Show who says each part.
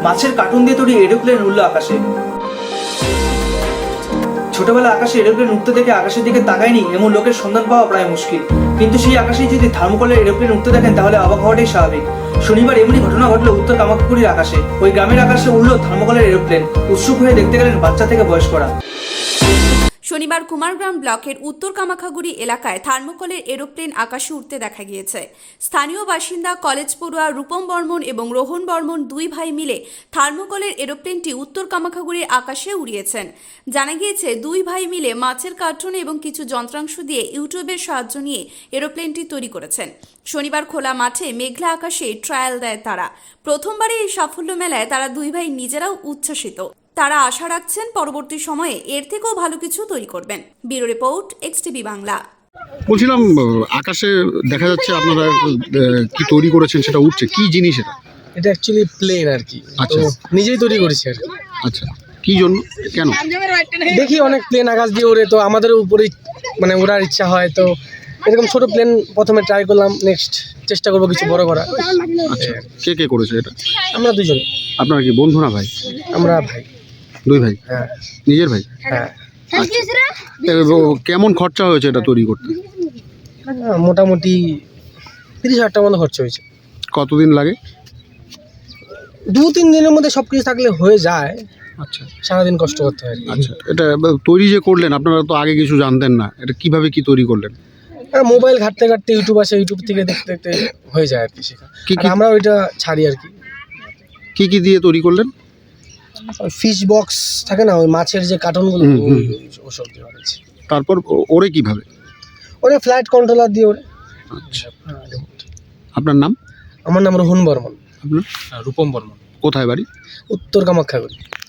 Speaker 1: মাছের কার্টুন দিয়ে তৈরি এরোপ্লেন উড়ল আকাশে। ছোটবেলায় আকাশে এরোপ্লেন উঠতে দেখে আকাশের দিকে তাকায়নি এমন লোকের সন্ধান পাওয়া প্রায় মুশকিল, কিন্তু সেই আকাশেই যদি থার্মোকলের এরোপ্লেন উঠতে দেখেন তাহলে অবাক হওয়াটাই স্বাভাবিক। শনিবার এমনই ঘটনা ঘটলো উত্তর কামাখ্যাগুড়ির আকাশে। ওই গ্রামের আকাশে উড়লো থার্মোকলের এরোপ্লেন। উৎসুক হয়ে দেখতে গেলেন বাচ্চা থেকে বয়স্করা।
Speaker 2: শনিবার কুমারগ্রাম ব্লকের উত্তর কামাখ্যাগুড়ি এলাকায় থার্মোকলের এরোপ্লেন আকাশে উঠতে দেখা গিয়েছে। স্থানীয় বাসিন্দা কলেজ পড়ুয়া রূপম বর্মন এবং রোহন বর্মন দুই ভাই মিলে থার্মোকলের এরোপ্লেনটি উত্তর কামাখ্যাগুড়ির আকাশে উড়িয়েছেন। জানা গিয়েছে দুই ভাই মিলে মাছের কার্টুন এবং কিছু যন্ত্রাংশ দিয়ে ইউটিউবের সাহায্য নিয়ে এরোপ্লেনটি তৈরি করেছেন। শনিবার খোলা মাঠে মেঘলা আকাশে ট্রায়াল দেয় তারা। প্রথমবারই এই সাফল্য মেলায় তারা দুই ভাই নিজেরাও উচ্ছ্বসিত। তারা আশা রাখছেন পরবর্তী সময়ে এর থেকেও ভালো কিছু তৈরি করবেন। ব্যুরো রিপোর্ট, এক্সটিভি বাংলা।
Speaker 3: বলছিলাম, আকাশে দেখা যাচ্ছে আপনারা কি তৈরি করেছেন, সেটা উঠছে, কি জিনিস এটা?
Speaker 4: এটা অ্যাকচুয়ালি প্লেন আর কি।
Speaker 3: আচ্ছা।
Speaker 4: তো নিজেই তৈরি করেছি আর কি।
Speaker 3: আচ্ছা, কি জন্য, কেন?
Speaker 4: দেখি অনেক প্লেন আকাশ দিয়ে ওড়ে, তো আমাদের উপরেই মানে ওড়ার ইচ্ছা হয়, তো এরকম ছোট প্লেন প্রথমে ট্রাই করলাম, নেক্সট চেষ্টা করবো কিছু বড় করা।
Speaker 3: আচ্ছা, কে কে করেছে এটা?
Speaker 4: আমরা দুজন।
Speaker 3: আপনারা কি বন্ধু না ভাই?
Speaker 4: আমরা ভাই।
Speaker 3: দুই ভাই?
Speaker 4: হ্যাঁ।
Speaker 3: নিজের ভাই?
Speaker 4: হ্যাঁ।
Speaker 3: কেমন খরচা হয়েছে এটা তৈরি করতে?
Speaker 4: মোটামুটি 30,000 টাকার মতো খরচ হয়েছে।
Speaker 3: কতদিন লাগে?
Speaker 4: 2-3 দিনের মধ্যে সব কিছু থাকলে হয়ে যায়।
Speaker 3: আচ্ছা।
Speaker 4: সারাদিন কষ্ট করতে হয়।
Speaker 3: আচ্ছা, এটা তৈরি যে করলেন, আপনারা তো আগে কিছু জানতেন না, এটা কিভাবে কি তৈরি করলেন?
Speaker 4: মোবাইল ঘাটতে ঘাটতে ইউটিউব আসে, ইউটিউব থেকে দেখতে দেখতে হয়ে যায় আর কি শেখা।
Speaker 3: কি
Speaker 4: আমরা ওইটা ছাড়ি আর কি।
Speaker 3: কি দিয়ে তৈরি করলেন?
Speaker 4: ফিশ বক্স থাকে না, ওই মাছের যে কার্টনগুলো, ওসব দিয়ে বানিয়েছি।
Speaker 3: তারপর ওরে কিভাবে?
Speaker 4: ওরে ফ্লাইট কন্ট্রোলার দিয়ে ওরে।
Speaker 3: আচ্ছা। আপনার নাম?
Speaker 4: আমার নাম রোহন বর্মন।
Speaker 3: আপনার?
Speaker 5: রূপম বর্মন।
Speaker 3: কোথায় বাড়ি?
Speaker 4: উত্তর কামাখ্যাগুড়ি।